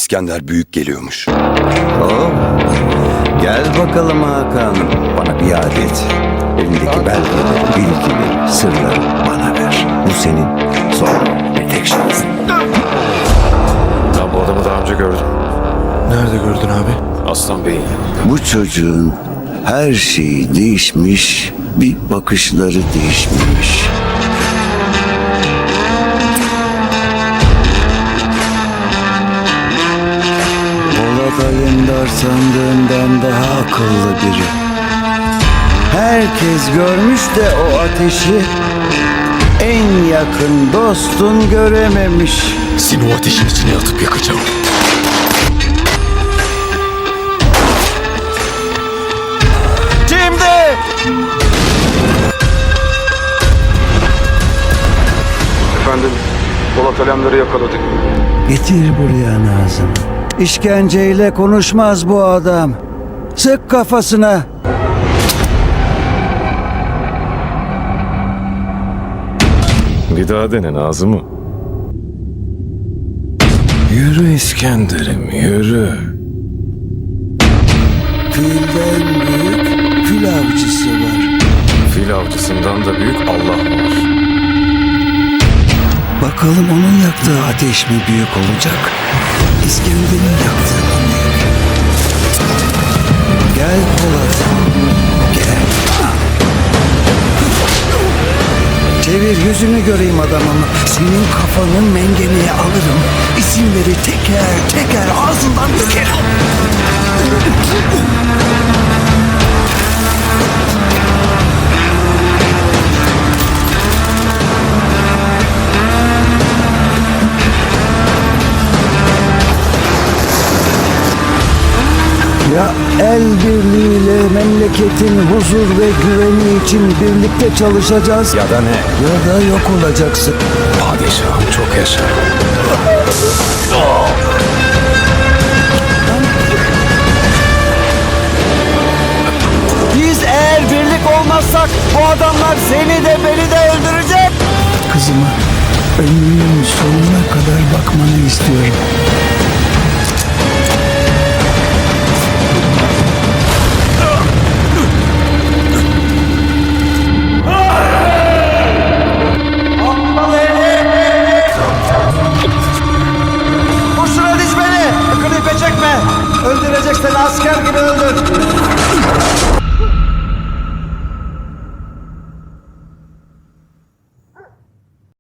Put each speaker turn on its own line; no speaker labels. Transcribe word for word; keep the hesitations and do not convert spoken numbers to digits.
İskender Büyük geliyormuş.
Oh, gel bakalım Hakan'ım. Bana biat et. Elindeki belgeleri, bilgileri, sırları bana ver. Bu senin son ve tek şansın.
Ben bu adamı daha önce gördüm.
Nerede gördün abi?
Aslan Bey'in yanında.
Bu çocuğun her şeyi değişmiş, bir bakışları değişmemiş. Polat Alemdar sandığından daha akıllı biri. Herkes görmüş de o ateşi en yakın dostun görememiş.
Seni o ateşin içine atıp yakacağım.
Şimdi!
Efendim, Polat Alemdar'ı yakaladık.
Getir buraya Nazım. İşkenceyle konuşmaz bu adam. Sık kafasına.
Bir daha dene Nazım'ı. Yürü İskender'im yürü.
Filden büyük fil avcısı var.
Fil avcısından da büyük Allah var.
Bakalım onun yaktığı ateş mi büyük olacak? İskender'in yaktığı mı büyük? Gel Polat. Gel. Çevir yüzünü göreyim adamım. Senin kafanın mengeneye alırım. İsimleri teker teker ağzından dökerim. Ya el birliğiyle memleketin huzur ve güveni için birlikte çalışacağız
Ya da ne?
ya da yok olacaksın.
Padişahım çok yaşa.
Biz eğer birlik olmazsak bu adamlar seni de beni de öldürecek. Kızıma ömrünün sonuna kadar bakmanı istiyorum.